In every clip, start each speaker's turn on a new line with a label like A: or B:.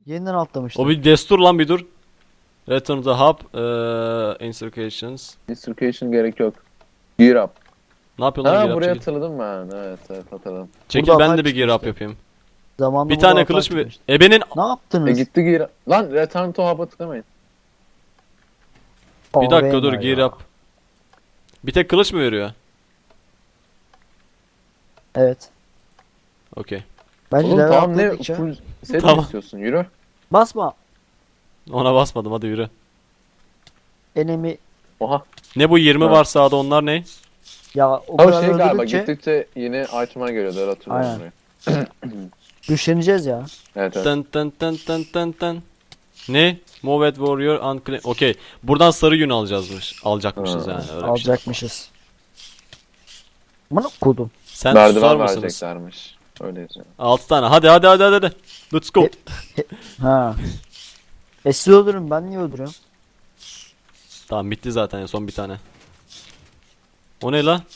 A: Yeniden atlamıştım.
B: O bir destur lan, bir dur. Return to hub. Instructions.
C: Distribution gerek yok. Gear up.
B: Ne yapıyorsun lan,
C: Ha,
B: gear up
C: buraya
B: çekil.
C: hatırladım ben. Evet hatırladım.
B: Çekil,
A: Burada
B: ben
A: atak
B: de bir gear up
A: çıkmıştı.
B: yapayım.
A: Zamanında
B: Bir
A: burada
B: tane
A: atak
B: kılıç mı?
A: çıkmıştı.
B: Ebenin
A: Ne yaptınız?
C: Gitti gear up. Lan return to hub'a tıklamayın.
B: bir dakika dur,
A: Arena
B: gear
A: ya.
B: up. Bir tek kılıç mı veriyor?
A: Evet.
B: Okey.
A: Bence
C: Oğlum
A: level
C: tamam, ne
A: atladıkça.
C: full set
B: Tamam.
C: mi istiyorsun? Yürü.
A: Basma.
B: Ona basmadım, hadi yürü.
A: Enemy.
C: Oha.
B: Ne bu 20
C: Ha.
B: var sağda, onlar ne?
A: Ya o
C: O
A: kadar
C: şey galiba,
A: öldürdükçe
C: gittikçe yeni item'a geliyor. Öyle hatırlıyorum
A: Aynen.
C: orayı.
A: güçleneceğiz ya.
C: Evet.
B: Tın tın tın tın tın tın. Ne? Move at warrior unclaim. Okey. Buradan sarı yün alacakmışız
C: Ha.
B: yani. Öyle bir şey.
A: Alacakmışız. Bana kodum.
B: Sen susar
C: Merdiven
B: mısınız?
C: vereceklermiş. Öyle yazıyor.
B: 6 tane. Hadi. Let's go.
A: Ha. Siz öldürün, ben niye öldürüyorum?
B: Tamam, bitti zaten ya, son bir tane. O ne la?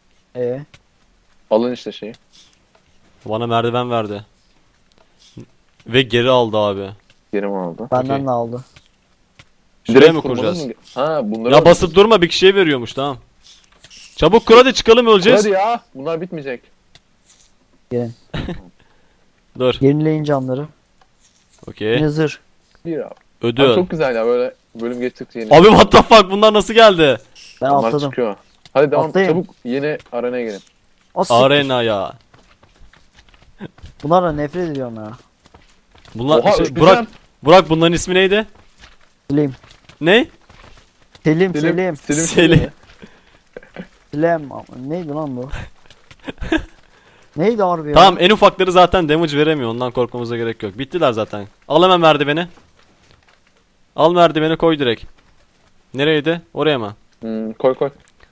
C: Alın işte şeyi.
B: Bana merdiven verdi. Ve geri aldı abi.
C: Geri mi aldı?
A: Benden
B: Okey.
A: de aldı.
B: Şuraya mı
C: kurmanın
B: kuracağız?
C: mı? Ha, bunları
B: Ya basıp durma, bir şey veriyormuş, tamam. Çabuk kur, hadi çıkalım, öleceğiz.
C: Hadi ya. Bunlar bitmeyecek.
B: Dur.
A: Yenileyin canları.
B: Okey.
A: Yine zırh.
C: Bir abi.
B: Ödül.
C: Abi çok güzel ya, böyle bölüm geçtikçe yeni.
B: Abi what the fuck, bunlar nasıl geldi?
A: Ben
C: Bunlar
A: atladım.
C: çıkıyor. Hadi devam,
A: Atlayın.
C: çabuk yeni arenaya gelin.
A: Siktir.
B: Arena ya.
A: Bunlarla nefret ediyorum ya.
B: Bunlar
C: Oha,
B: şey,
C: öpeceğim.
B: Burak bunların ismi neydi?
A: Selim.
B: Ne?
A: Selim. Selim.
B: Selim.
A: Selim. Neydi lan bu? Neydi harbi ya?
B: Tamam, en ufakları zaten damage veremiyor, ondan korkmamıza gerek yok. Bittiler zaten. Al hemen merdiveni. Al merdiveni, koy direkt. Nereydi? Oraya mı?
C: Koy.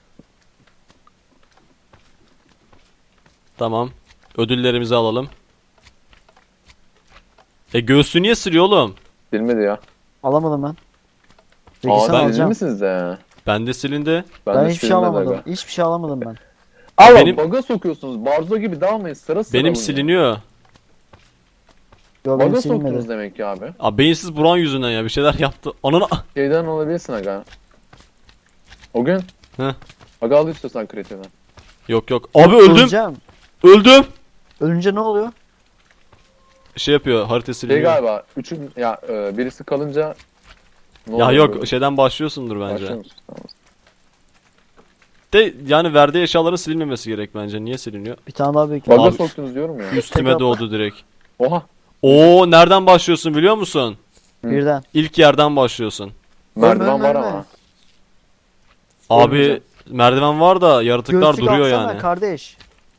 B: Tamam. Ödüllerimizi alalım. Göğsü niye sürüyor oğlum?
C: Bilmedi ya.
A: Alamadım ben. Peki
C: Aa,
A: sen
C: ben
A: alacaksın.
C: misiniz de?
B: Bende silindi.
A: Ben
C: de
A: hiçbir şey
C: silinmedi
A: alamadım.
C: aga.
A: Hiçbir şey alamadım ben.
C: Aa,
B: Benim-
C: bug'a sokuyorsunuz. Barzo gibi dalmayın, sıra sıra
B: Benim
C: alın ya.
B: siliniyor.
A: Yo benim
C: Bug'a soktunuz
A: silinmedi.
C: demek ki abi.
B: Abi beyinsiz Buran yüzünden ya, bir şeyler yaptı. Ananı...
C: Şeyden olabilirsin aga. O gün.
B: Heh.
C: Aga al istiyorsan kreatiften.
B: Yok. Abi öldüm.
A: Öleceğim.
B: Öldüm.
A: Ölünce ne oluyor?
B: Şey yapıyor, harita
C: Şey
B: siliniyor.
C: galiba, birisi kalınca ne
B: Ya
C: oluyor
B: yok,
C: böyle?
B: şeyden başlıyorsundur bence.
C: Başlıyor musun? Tamam.
B: De yani verdiği eşyaların silinmemesi gerek bence. Niye siliniyor?
A: Bir tane daha büyük.
C: Bug'a
B: Abi-
C: soktunuz diyorum ya.
B: Üstüme
A: Tek
B: doğdu direkt.
C: Oha.
B: Oo, nereden başlıyorsun biliyor musun?
A: Birden.
B: İlk yerden başlıyorsun.
C: Merdiven
A: ölme,
C: var
A: ölme.
C: ama.
B: Abi
C: Ölmeyeceğim.
B: merdiven var da yaratıklar
A: Göğsük
B: duruyor
A: alsana
B: yani.
A: kardeş.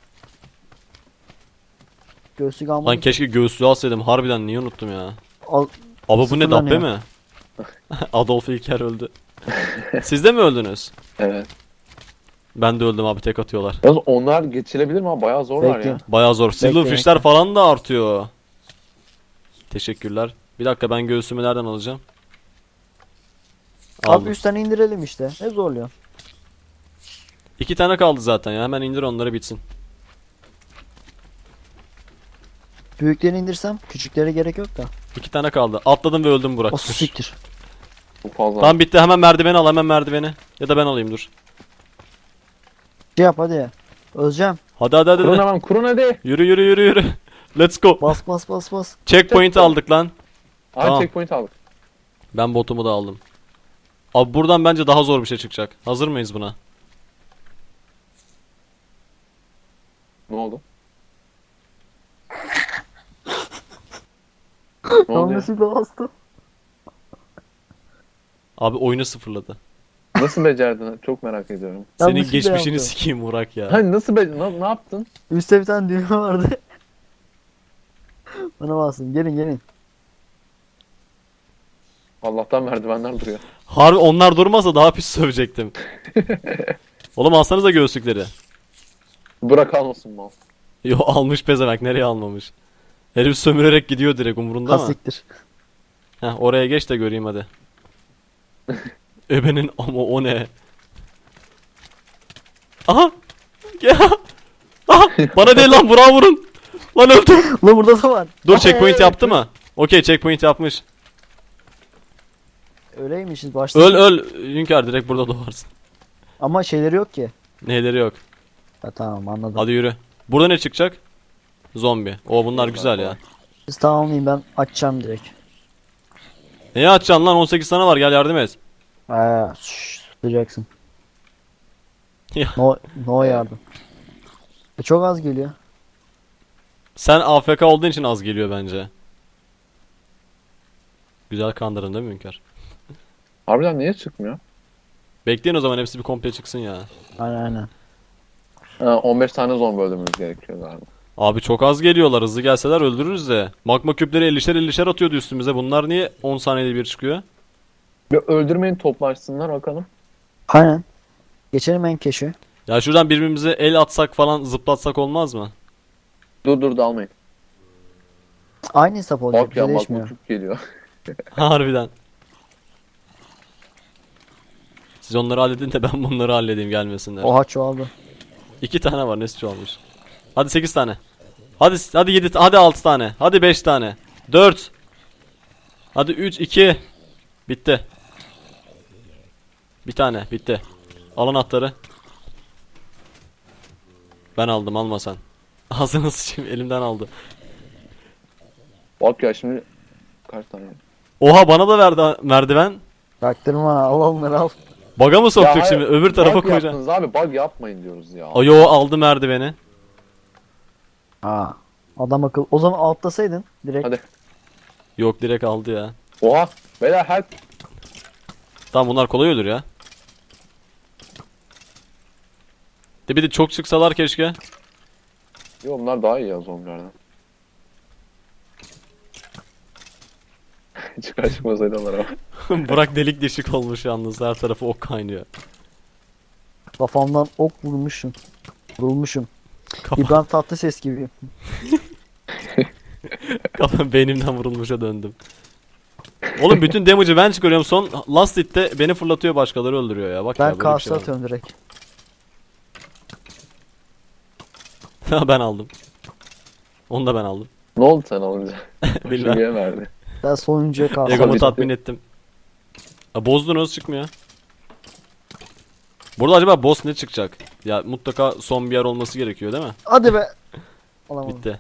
A: Göğsük
B: Lan
A: almadım.
B: keşke göğsü alsaydım. Harbiden niye unuttum ya?
A: Al.
B: Abi bu ne,
A: Sıfırlanıyor.
B: dabbe mi? Adolf İlker öldü. Siz de mi öldünüz?
C: Evet.
B: Ben de öldüm abi, tek atıyorlar.
C: Yalnız onlar geçilebilir mi abi? Bayağı zorlar
A: Bekle.
C: ya.
B: Bayağı zor. Silverfish'ler
A: bekle.
B: falan da artıyor. Teşekkürler. Bir dakika, ben göğsümü nereden alacağım?
A: Abi
B: Aldım.
A: üstten indirelim işte. Ne zorluyor?
B: 2 tane kaldı zaten ya. Hemen indir onları, bitsin.
A: Büyüklerini indirsem küçüklere gerek yok da.
B: 2 tane kaldı. Atladım ve öldüm Burak.
A: O
B: Dur.
A: siktir.
C: Bu fazla.
B: Tamam, bitti. Hemen merdiveni al, hemen merdiveni. Ya da ben alayım, dur.
A: Şey yap hadi. Öleceğim.
B: Hadi.
C: Kurun hemen, kurun hadi.
B: Yürü. Let's go.
A: Bas.
B: Checkpoint aldık lan.
C: Aha,
B: Tamam.
C: checkpoint aldık.
B: Ben botumu da aldım. Abi buradan bence daha zor bir şey çıkacak. Hazır mıyız buna?
C: Ne oldu? Ne oldu ya?
A: Yanlışlıkla bastım.
B: Abi oyunu sıfırladı.
C: Nasıl becerdin? Çok merak ediyorum.
B: Senin
A: Yanlışlıkla
B: geçmişini
A: yaptım.
B: sikeyim Burak ya.
C: Hani nasıl ne yaptın?
A: Üstte bir tane düğme vardı. Bana bastım. Gelin.
C: Allah'tan merdivenler duruyor.
B: Harbi onlar durmasa daha pis sövecektim. Oğlum alsanıza göğüslükleri.
C: Bırak almasın mal.
B: Yo, almış pezevenk, nereye almamış. Herif sömürerek gidiyor direkt, umurunda mı?
A: Kasiktir.
B: Heh, oraya geç de göreyim hadi. Ebenin ama o ne? Aha! Ya! Aha! Bana değil lan, Burak'a vurun! Lan öldüm!
A: Ulan burada da var.
B: Dur, checkpoint yaptı mı? Okey, checkpoint yapmış.
A: Öyleymişiz başta.
B: Öl Hünkar, direkt burada doğarsın.
A: Ama şeyleri yok ki.
B: Neyleri yok.
A: Ha, tamam anladım.
B: Hadi yürü. Burada ne çıkacak? Zombi. O bunlar güzel ya.
A: Siz tamamlayın, ben açacağım direkt.
B: Neye açacaksın lan? 18 tane var, gel yardım et.
A: Tutacaksın.
B: Ya.
A: No yardım. Çok az geliyor.
B: Sen AFK olduğun için az geliyor bence. Güzel kandırdın değil mi Hünkar?
C: Harbiden niye çıkmıyor?
B: Bekleyin o zaman, hepsi bir komple çıksın ya.
A: Aynen.
C: Ha, 15 tane zombi öldürmemiz gerekiyor galiba.
B: Abi çok az geliyorlar, hızlı gelseler öldürürüz de. Magma küpleri 50'şer atıyordu üstümüze. Bunlar niye 10 saniyede bir çıkıyor?
C: Bir öldürmeyin, toplaşsınlar bakalım.
A: Aynen. Geçelim en keşi.
B: Ya şuradan birbirimize el atsak falan, zıplatsak olmaz mı?
C: Dur dalmayın.
A: Aynı hesap olacak.
C: Bak ya, magma
A: Değişmiyor.
C: küp geliyor.
B: Harbiden. Siz onları halledin de ben bunları halledeyim, gelmesinler.
A: Oha çoğaldı.
B: 2 tane var, nesi çoğalmış. Hadi 8 tane. Hadi 7, hadi 6 tane. Hadi 5 tane. 4. Hadi 3, 2. Bitti. Bir tane bitti. Al anahtarı. Ben aldım, alma sen. Ağzını sıçayım, elimden aldı.
C: Bak ya şimdi kaç tane?
B: Oha, bana da verdi merdiven.
A: Baktırma, al onları al.
B: Baga mı soktuk
C: Ya
B: şimdi?
C: hayır,
B: Öbür tarafa
C: bug
B: koyacağım.
C: yaptınız abi, bug yapmayın diyoruz ya.
B: Ayo, aldı merdiveni.
A: Adam akıl. O zaman altlasaydın direkt.
C: Hadi.
B: Yok, direkt aldı ya.
C: Oha beyler, help.
B: Tamam, bunlar kolay olur ya. De bir de çok çıksalar keşke.
C: Yo, bunlar daha iyi ya zombilerden. Çıkar çıkmaz ediyorlar ama.
B: Burak delik deşik olmuş yalnız, her tarafı ok kaynıyor.
A: Kafamdan ok vurmuşum. Vurulmuşum.
B: Kafa,
A: İbrahim Tatlıses gibi.
B: kafam beynimden vurulmuşa döndüm. Oğlum bütün damage'ı ben çıkarıyorum, son last hit'te beni fırlatıyor, başkaları öldürüyor ya. Bak
A: Ben
B: ya, böyle bir
A: karşı
B: şey var.
A: atıyorum direkt.
B: Ben aldım. Onu da ben aldım.
C: Ne oldu sen alınca?
B: Bilmem.
C: Şuraya verdi.
A: Ben sonuncuya karşı.
B: Egomu
C: bitti.
B: tatmin ettim. Ha, bozdunuz, çıkmıyor. Burada acaba boss ne çıkacak? Ya mutlaka son bir yer olması gerekiyor değil mi?
A: Hadi be. Alamadım.
B: Bitti.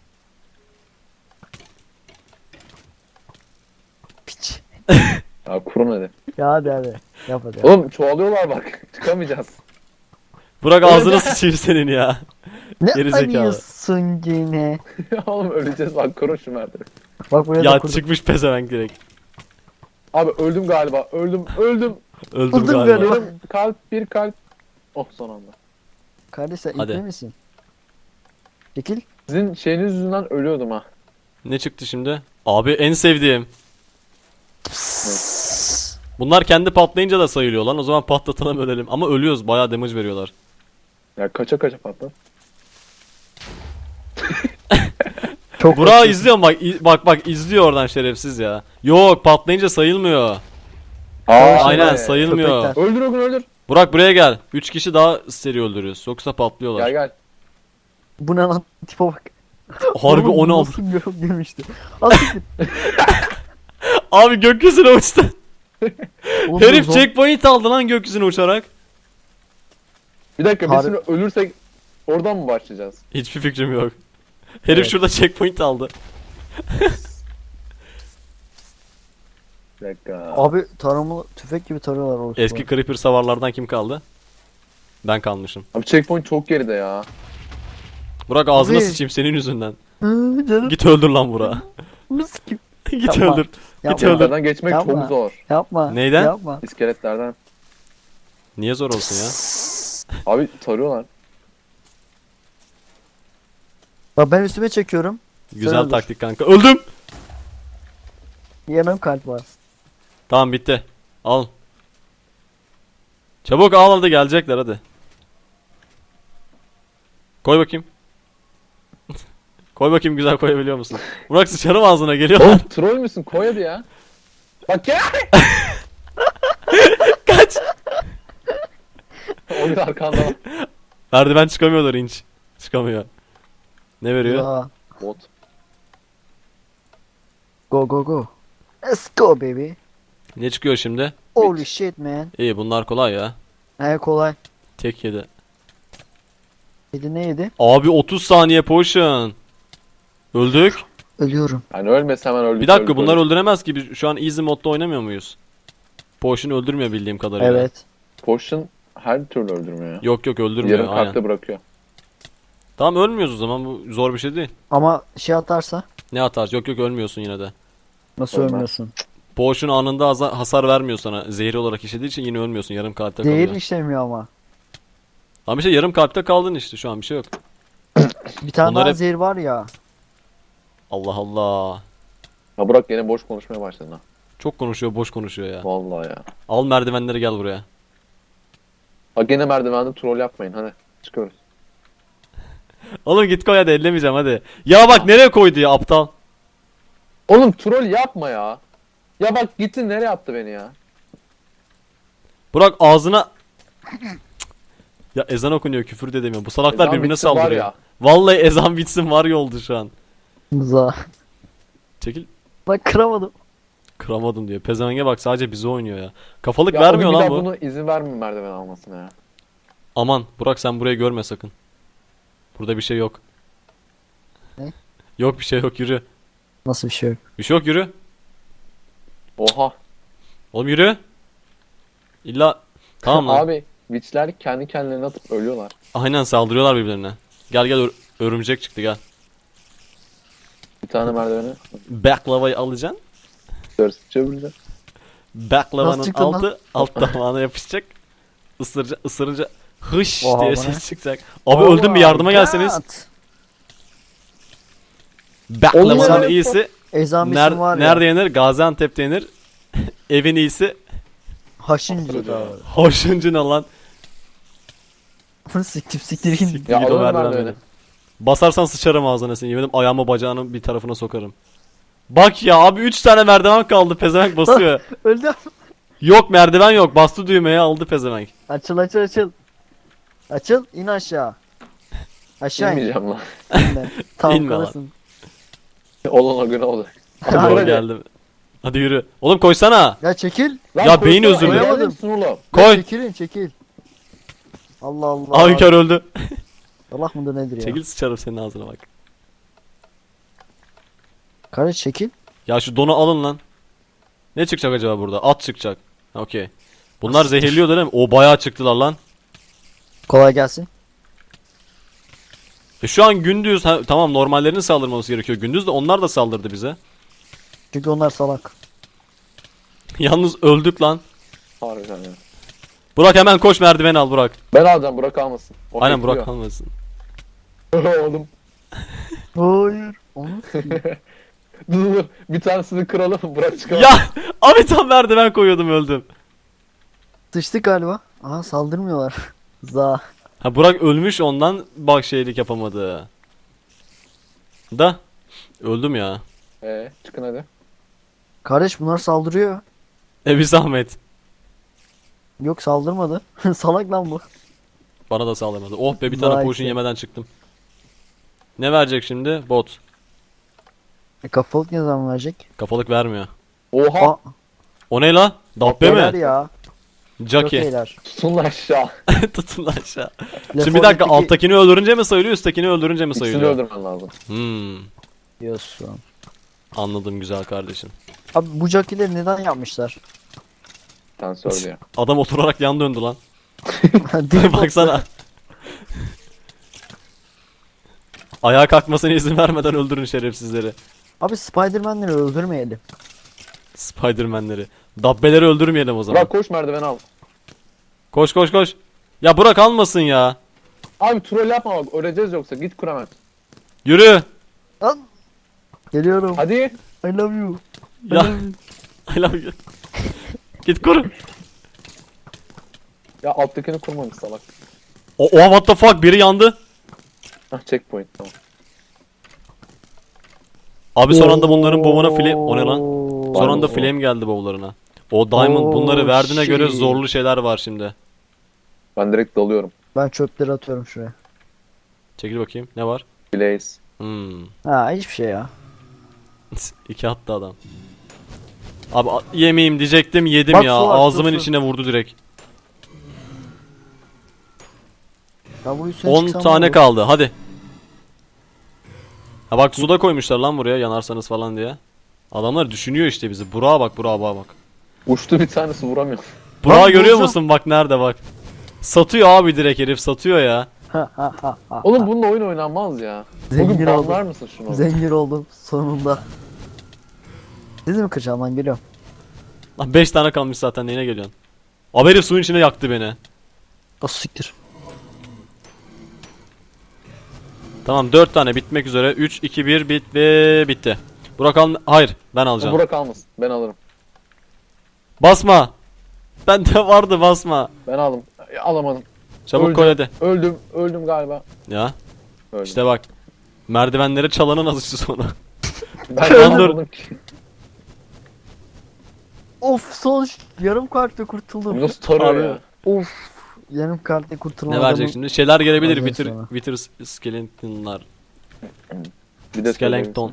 A: Piç.
C: Ya kurun hadi.
A: Ya hadi. Yap hadi.
C: Oğlum çoğalıyorlar bak. Çıkamayacağız.
B: Burak ağzını sıçayım senin ya.
A: Ne
B: geri zekalı.
A: arıyorsun yine?
C: Oğlum öleceğiz bak, kurun şu merdiveni.
A: Bak buraya da
B: Ya
A: kurdum.
B: çıkmış pezevenk direkt.
C: Abi öldüm galiba. Öldüm.
B: Öldüm
A: Öldüm
B: galiba.
A: galiba.
C: Benim kalp, bir kalp. Oh, son anda.
A: Kardeş sen
B: Hadi.
A: ipli misin? Çekil.
C: Sizin şeyiniz yüzünden ölüyordum ha.
B: Ne çıktı şimdi? Abi en sevdiğim. Bunlar kendi patlayınca da sayılıyor lan. O zaman patlatalım, ölelim. Ama ölüyoruz. Bayağı damage veriyorlar.
C: Ya kaça patlar.
A: Çok
B: Burak'ı izliyorum bak. Bak izliyor oradan şerefsiz ya. Yok, patlayınca sayılmıyor. Aynen,
C: evet.
B: sayılmıyor.
A: köpekler.
C: Öldür Ogun, öldür.
B: Burak buraya gel. 3 kişi daha seri öldürüyoruz. Yoksa patlıyorlar.
C: Gel.
A: Bu ne lan? Tipe bak.
B: Harbi
A: Oğlum,
B: 16.
A: Nasıl bir yok girmişti. Az siktir.
B: Abi gökyüzüne uçtu.
A: Oğlum,
B: Herif
A: zom-
B: checkpoint aldı lan gökyüzüne uçarak.
C: Bir dakika, biz
A: Harbi-
C: şimdi ölürsek oradan mı başlayacağız?
B: Hiçbir fikrim yok. Herif
C: Evet.
B: şurada checkpoint aldı.
C: Bir dakika.
A: Abi taramalı tüfek gibi tarıyorlar orası.
B: Eski creeper savarlardan kim kaldı? Ben kalmışım.
C: Abi checkpoint çok geride ya.
B: Burak ağzına
A: Abi.
B: sıçayım senin yüzünden.
A: Canım.
B: Git öldür lan Burak'ı.
A: Mis gibi.
B: Git
A: Yapma.
B: öldür. Git
A: Yapma.
B: öldür.
C: İskeletlerden geçmek
A: Yapma.
C: çok zor.
A: Yapma.
B: Neyden?
A: Yapma.
C: İskeletlerden.
B: Niye zor olsun ya?
C: Abi tarıyorlar.
A: Bak ben üstüme çekiyorum.
B: Güzel
A: öldür.
B: taktik kanka. Öldüm.
A: Yemem kalp var.
B: Tamam bitti. Al. Çabuk al, hadi gelecekler hadi. Koy bakayım. Koy bakayım, güzel koyabiliyor musun? Burak sıçarım ağzına, geliyorlar.
C: Oğlum troll müsün? Koy hadi ya. Bak gel.
B: Kaç.
C: O gün arkanda var.
B: Merdiven çıkamıyorlar, inç. Çıkamıyor. Ne veriyor?
A: Ya.
C: Bot.
A: Go go go. Let's go baby.
B: Ne çıkıyor şimdi?
A: Holy shit man.
B: İyi bunlar kolay ya.
A: He kolay.
B: Tek yedi.
A: Yedi ne yedi?
B: Abi 30 saniye potion. Öldük.
A: Ölüyorum.
C: Yani ölmese hemen öldük.
B: Bir dakika
C: öldük,
B: bunlar
C: öldük.
B: öldüremez ki. Biz şu an easy modda oynamıyor muyuz? Potion öldürmüyor bildiğim kadarıyla.
A: Evet.
C: Potion her türlü öldürmüyor ya.
B: Yok yok öldürmüyor
C: Yarım
B: aynen.
C: kalpte bırakıyor.
B: Tamam ölmüyoruz o zaman bu zor bir şey değil.
A: Ama şey atarsa
B: Ne atar? Yok yok ölmüyorsun yine de.
A: nasıl
C: Olmaz.
A: ölmüyorsun?
B: Potion anında hasar vermiyor sana. Zehri olarak işlediği için yine ölmüyorsun. Yarım kalpte
A: Değer
B: kalıyor.
A: işlemiyor ama.
B: Ama işte yarım kalpte kaldın işte şu an bir şey yok.
A: Bir tane
B: Bunlar
A: daha
B: hep-
A: zehir var ya.
B: Allah Allah.
C: Ha Burak yine boş konuşmaya başladın ha.
B: Çok konuşuyor boş konuşuyor ya.
C: Vallahi ya.
B: Al merdivenleri gel buraya.
C: Bak gene merdivende troll yapmayın hadi. Çıkıyoruz.
B: Oğlum git koy hadi ellemeyeceğim hadi. Ya bak nereye koydu ya aptal.
C: Oğlum troll yapma ya. Ya bak gitti nereye attı beni ya.
B: Burak ağzına... Ya ezan okunuyor küfür de demiyor. Bu salaklar
C: Ezan
B: birbirine
C: bitsin var
B: saldırıyor.
C: ya.
B: Vallahi ezan bitsin var ya oldu şu an.
A: Za.
B: Çekil.
A: Bak kıramadım.
B: Kıramadım diyor. Pezevenge bak sadece bize oynuyor ya. Kafalık
C: Ya
B: vermiyor
C: o gün bir
B: lan
C: daha
B: bu.
C: bunu izin vermeyin merdiven almasına ya.
B: Aman Burak sen burayı görme sakın. Burada bir şey yok.
A: Ne?
B: Yok bir şey yok yürü.
A: Nasıl bir şey yok?
B: Bir şey yok yürü.
C: Oha.
B: Oğlum yürü. İlla tamam lan.
C: Abi witchler kendi kendilerine atıp ölüyorlar.
B: Aynen saldırıyorlar birbirlerine. Gel gel örümcek çıktı gel.
C: Bir tane merdiveni.
B: Baklavayı alacaksın.
C: Ders çevireceğim.
B: Baklavanın
A: Nasıl çıktı lan?
B: altı alt damağına yapışacak. Isırınca hış
A: Oha,
B: diye
A: bu
B: ses
A: ne?
B: çıkacak. Abi öldüm bir yardıma gelseniz.
A: God.
B: Baklavanın
C: Oğlum,
B: iyisi
A: Ezan bitsin var ya.
B: nerede yenir? Gaziantep'te yenir. Evin iyisi
A: Haşincı da.
B: hoşuncuna lan.
A: Siktir git.
B: Siktir
C: Ya
B: git o
C: alırım
B: merdiven
C: merdiveni.
B: beni. Basarsan sıçarım ağzına seni. Yemin ederim ayağımı bacağının bir tarafına sokarım. Bak ya abi 3 tane merdiven kaldı pezevenk basıyor.
A: Öldüm.
B: Yok merdiven yok. Bastı düğmeye aldı pezevenk.
A: Açıl açıl açıl. Açıl in aşağı. Aşağı in.
C: İnmeyeceğim lan.
A: İnme. Tamam
B: İnme lan.
A: kalırsın.
C: Olan o gün olacak.
B: Hadi
C: Hadi.
B: geldim. Hadi yürü. Oğlum koysana.
A: Ya çekil.
C: Lan
B: Ya beyin
C: koysana,
B: özürlü.
C: geldim
A: Koyamadım.
C: Sunulu.
A: Ya
B: Koy.
A: çekilin çekil. Allah Allah.
B: Abi kör öldü.
A: Allah mıdır nedir ya?
B: Çekil sıçarım senin ağzına bak.
A: Kardeş çekil.
B: Ya şu donu alın lan. Ne çıkacak acaba burada? At çıkacak. Okey. Bunlar zehirliyor değil mi? O bayağı çıktılar lan.
A: Kolay gelsin.
B: Şu an gündüz tamam normallerinin saldırması gerekiyor. Gündüz de onlar da saldırdı bize.
A: Çünkü onlar salak.
B: Yalnız öldük lan.
C: Harbiden ya.
B: Burak hemen koş merdiveni al Burak.
C: Ben alacağım Burak almasın. O
B: Aynen
C: bekliyor.
B: Burak almasın.
C: Oğlum.
A: Hayır. Onu
C: Dur. Bir tanesini kıralım Burak çıkalım.
B: Ya abi tam merdiven koyuyordum öldüm.
A: sıçtık galiba. Aha saldırmıyorlar. Za.
B: Ha Burak ölmüş ondan bak şeylik yapamadı. Da öldüm ya.
C: Çıkın hadi.
A: Kardeş bunlar saldırıyor.
B: Bir zahmet.
A: Yok saldırmadı. Salak lan bu.
B: Bana da sağlamadı. Oh be bir tane
A: Vay
B: potion
A: be.
B: yemeden çıktım. Ne verecek şimdi? Bot.
A: Kafalık ne zaman verecek?
B: Kafalık vermiyor.
C: Oha.
A: Aa,
B: O ne la? Dabbe
A: beyler
B: mi?
A: ya. Çok
B: Jackie.
A: iyiler.
C: Tutun lan aşağı.
B: Tutun lan aşağı.
A: Left
B: Şimdi bir dakika
A: 4 Dead'deki-
B: alttakini öldürünce mi sayılıyor üsttekini öldürünce mi
C: İkisini
B: sayılıyor?
C: öldürmen lazım.
A: Diyorsun.
B: Anladım güzel kardeşim.
A: Abi bu jockeyleri neden yapmışlar?
C: Tensör ya.
B: Adam oturarak yan döndü lan.
A: Deli
B: Baksana. Ayağa kalkmasına izin vermeden öldürün şerefsizleri.
A: Abi Spider-Man'leri öldürmeyelim.
B: Spiderman'leri. Dabbeleri öldürmeyelim o zaman.
C: Burak koş merdiveni al.
B: Koş koş koş. Ya Burak almasın ya.
C: Abi troll yapma bak öleceğiz yoksa git kur hemen.
B: Yürü.
A: Lan. Geliyorum.
C: Hadi.
A: I love you. I
B: Ya.
A: love you.
B: I love you. Git kur.
C: Ya alttakini kurmamış salak.
B: Oha what the fuck biri yandı.
C: Hah checkpoint tamam.
B: Abi son anda bunların bovuna flame... O ne lan?
A: Oo.
B: Son anda
C: Oo.
B: flame geldi bovlarına. O diamond bunları
A: Oo,
B: verdiğine göre
A: shit.
B: zorlu şeyler var şimdi.
C: Ben direkt dalıyorum.
A: Ben çöpleri atıyorum şuraya.
B: Çekil bakayım. Ne var?
C: Blaze.
B: Hmm.
A: Ha hiçbir şey ya.
B: İki attı adam. Abi yemeyeyim diyecektim, yedim
A: Bak,
B: ya.
A: su var,
B: Ağzımın
A: su.
B: içine vurdu direkt.
A: Ya bu üstüne
B: 10
A: çıksam
B: tane
A: ne olur?
B: kaldı. Hadi. Ha bak, suda koymuşlar lan buraya, yanarsanız falan diye. Adamlar düşünüyor işte bizi. Burak'a bak, Burak'a bak.
C: Uçtu bir tanesi, vuramıyor.
B: Burak'ı görüyor
A: vuracağım.
B: musun? Bak nerede bak. Satıyor abi, direkt herif satıyor ya.
C: Oğlum bununla oyun oynanmaz ya.
A: Zengin
C: Bugün
A: oldum.
C: banlar mısın şunu?
A: Zengin oldum sonunda. Siz mi kıracağım lan, geliyorum.
B: Lan 5 tane kalmış zaten, neyine geliyorsun? Abi herif suyun içine yaktı beni.
A: O siktir.
B: Tamam, 4 tane bitmek üzere. 3, 2, 1 bitti. Burak al. Hayır, ben alacağım.
C: Burak almasın. Ben alırım.
B: Basma. Bende vardı, basma.
C: Ben aldım. Alamadım.
B: Çabuk
C: Öldüm.
B: koy hadi.
C: Öldüm galiba.
B: Ya
C: Öldüm.
B: işte bak. Merdivenlere çalanın azıcı sonu.
C: Ben
B: Dur.
C: alamadım ki.
A: Of, son yarım kartta kurtuldum.
C: Nasıl tarıyor
B: Abi.
C: ya?
A: Of, yarım kartta kurtulamadım.
B: Ne verecek şimdi? Şeyler gelebilir.
A: Ondan sonra.
B: Wither skeletonlar.
C: Bir de
B: Skeleton.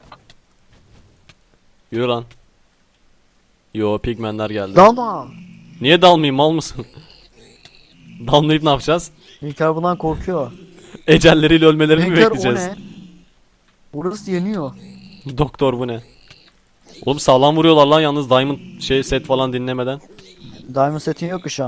B: Yürü lan. Yo, pigmenler geldi.
A: Dalma.
B: Niye dalmayayım, mal mısın? Dalmayıp ne yapacağız?
A: İlker bundan korkuyor.
B: Ecelleriyle ölmelerini mi
A: İlker, o
B: bekleyeceğiz?
A: ne? Burası yanıyor.
B: Doktor bu ne? Oğlum sağlam vuruyorlar lan yalnız, diamond set falan dinlemeden.
A: Diamond setin yok ki şu an.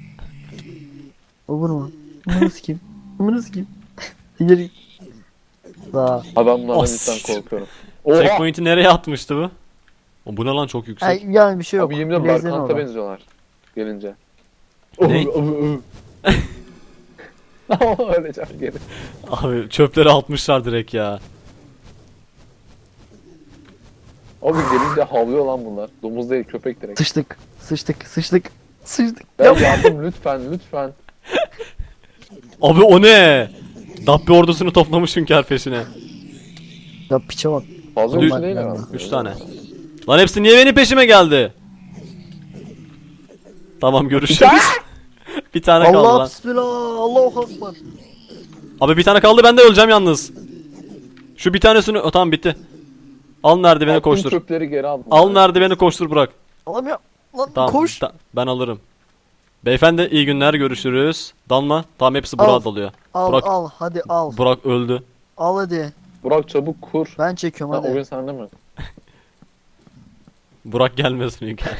A: O bunu mu? Bunu kim? Bunu kim? Geri. Daha.
C: Abi ben bunlardan
B: Oh,
C: cidden
B: siktir.
C: korkuyorum. Oha!
B: Checkpoint'i nereye atmıştı bu? O, bu ne lan, çok yüksek.
A: Ay, yani bir şey yok.
C: Abi yemin ediyorum
A: Bilezden
C: Berkant'a
A: orada.
C: benziyorlar. Gelince.
B: Ne?
C: Öleceğim geri.
B: Abi çöpleri atmışlar direkt ya.
C: Abi gelince havlıyor lan bunlar. Domuz değil, köpek direkt.
A: Sıçtık. Sıçtık. Sıçtık. Sıçtık.
C: Ben yardım lütfen.
B: Abi o ne? Dabbe ordusunu toplamışsın kerpeşine.
A: Ya piçe bak.
C: Fazla
B: Hadi
C: güçlü
A: üç-
C: değil herhalde.
B: 3 tane. Lan hepsi niye benim peşime geldi? Tamam, görüşürüz. Bir tane kaldı
A: Allah
B: lan.
A: bismillah. Allahu akbar.
B: Abi bir tane kaldı, ben de öleceğim yalnız. Şu bir tanesini... tamam, bitti. Al merdiveni,
C: Attım,
B: koştur.
C: çöpleri geri aldım.
B: Al merdiveni, koştur, bırak.
A: Alamıyorum. Lan
B: Tamam,
A: koş.
B: ben alırım. Beyefendi iyi günler, görüşürüz. Dalma. Tamam, hepsi
A: Al.
B: Burak'a dalıyor.
A: Al
B: Burak-
A: al hadi al.
B: Burak öldü.
A: Al hadi.
C: Burak çabuk kur.
A: Ben çekiyorum
C: Ha,
A: hadi.
C: oyun sende mi?
B: Burak gelmesin Hünkar.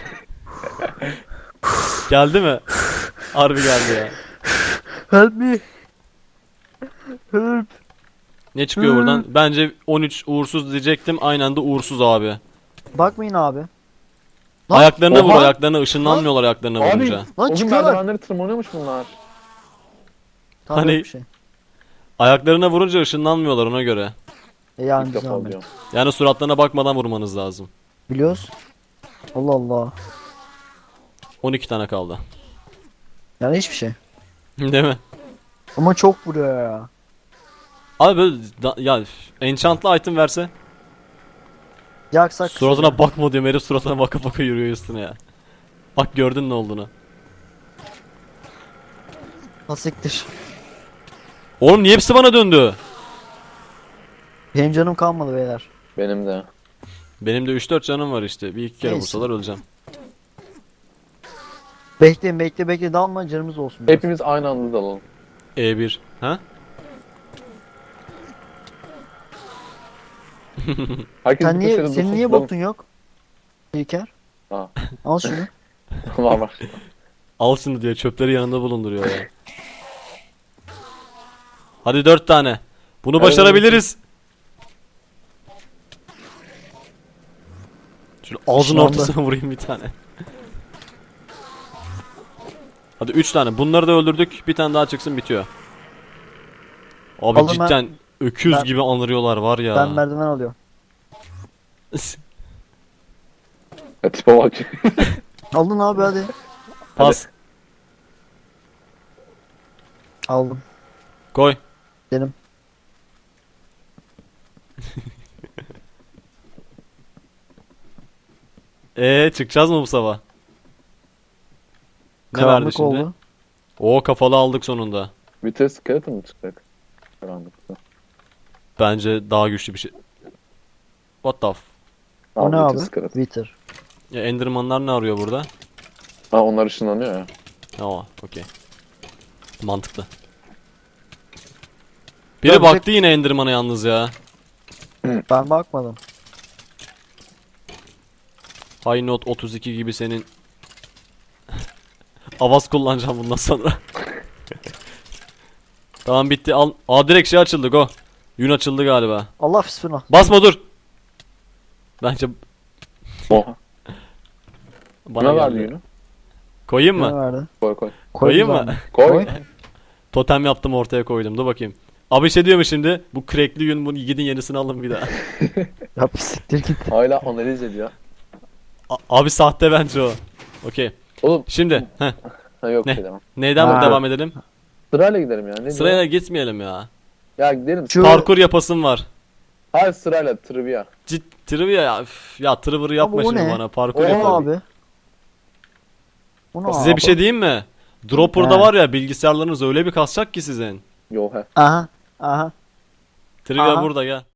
B: Geldi mi? Harbi geldi ya.
A: Help me. Help.
B: Ne çıkıyor buradan? Bence 13 uğursuz diyecektim. Aynen anda uğursuz abi.
A: Bakmayın abi. Lan,
B: Ayaklarına vur,
C: Oha!
B: ayaklarına ışınlanmıyorlar ayaklarına
C: Abi
B: vurunca.
A: Lan
C: o gün
A: çıkıyorlar.
C: merdivenleri tırmanıyormuş bunlar.
A: Tabii
B: Hani-
A: yok bir şey.
B: Ayaklarına vurunca ışınlanmıyorlar, ona göre.
A: Yani
C: İlk defa
A: güzel.
C: diyorum.
B: Yani suratlarına bakmadan vurmanız lazım.
A: Biliyoruz. Allah Allah.
B: 12 tane kaldı.
A: Yani hiçbir şey.
B: Değil mi?
A: Ama çok vuruyor ya.
B: Abi böyle ya enchantlı item verse,
A: Yaksak.
B: suratına bakma diyorum, herif suratına baka baka yürüyor üstüne ya. Bak, gördün ne olduğunu.
A: Hasiktir.
B: Oğlum niye hepsi bana döndü?
A: Benim canım kalmadı beyler.
C: Benim de.
B: Benim de 3-4 canım var işte. Bir iki kere
A: Neyse.
B: vursalar öleceğim.
A: Bekleyin bekle dalma, canımız olsun. biraz.
C: Hepimiz aynı anda dalalım.
B: E1. Ha?
C: Herkes
A: Sen
C: bir
A: niye,
C: köşede
A: senin
C: dursun,
A: niye
C: dalalım.
A: botun yok? İlker.
C: Ha.
A: Al şunu.
C: var.
B: Al şunu diyor, çöpleri yanında bulunduruyor ya. Hadi 4 tane. Bunu
C: Evet.
B: başarabiliriz. Şöyle ağzın
A: Şu anda-
B: ortasına vurayım bir tane. Hadi 3 tane. Bunları da öldürdük. Bir tane daha çıksın, bitiyor. Abi
A: Alın,
B: cidden öküz
A: ben-
B: gibi anırıyorlar var ya.
A: Ben merdiven alıyorum.
C: Ya tipe bak.
A: Aldın abi hadi.
B: Pas.
A: Aldım.
B: Koy.
A: Benim.
B: Çıkacağız mı bu sabah? Ne verdi
A: Karanlık
B: şimdi?
A: oldu.
B: Oo, kafalı aldık sonunda.
C: Vites skeleton mı çıkacak? Karanlıkta.
B: Bence daha güçlü bir şey. What the f...
A: O ne
C: Al,
A: abi?
C: vites kırık.
A: Wither.
B: Ya Enderman'lar ne arıyor burada?
C: Ha onlar ışınlanıyor ya.
B: Tamam, okey. Mantıklı. Biri
A: Ya
B: baktı yine Enderman'a yalnız ya.
A: Ben bakmadım.
B: High Note 32 gibi senin Avaz kullanacağım bundan sonra. Tamam bitti. Al. Aa direkt şey açıldı go. Yün açıldı galiba.
A: Allah bismillah.
B: Basma dur. Bence
C: Oha.
B: bana
C: Ne verdi
B: geldi.
C: yünü?
B: Koyayım
A: Ne
B: mı?
A: verdi?
C: Koy koy.
B: Koyayım
A: güzel
B: mı?
A: mi?
C: Koy.
B: Totem yaptım ortaya koydum. Dur bakayım. Abi şey diyor mu şimdi? Bu crackli yün bunu gidin yenisini alın bir daha.
A: Ya bir siktir git.
C: Hala analiz ediyor.
B: Abi sahte bence o. Okey.
C: Oğlum.
B: Şimdi heh,
C: Ha yok
B: Ne?
C: şey demem.
B: neyden
A: Ha.
B: devam edelim?
C: Sırayla gidelim ya. Ne
B: Sıraya
C: diyor?
B: gitmeyelim ya.
C: Ya gidelim.
A: Şu-
B: Parkur yapasım var.
C: Hayır sırayla trivia.
B: Trivia ya. Üf, ya Trivia yapma
A: o
B: şimdi
A: ne?
B: bana. Parkur
C: O
A: O ne
B: yapalım.
A: abi? O ne
B: Size
A: abi?
B: bir şey diyeyim mi? Dropper'da
A: He.
B: var ya bilgisayarlarınız öyle bir kasacak ki sizin.
C: Yo he.
A: Aha. Aha.
B: Trivia
A: Aha.
B: burada gel.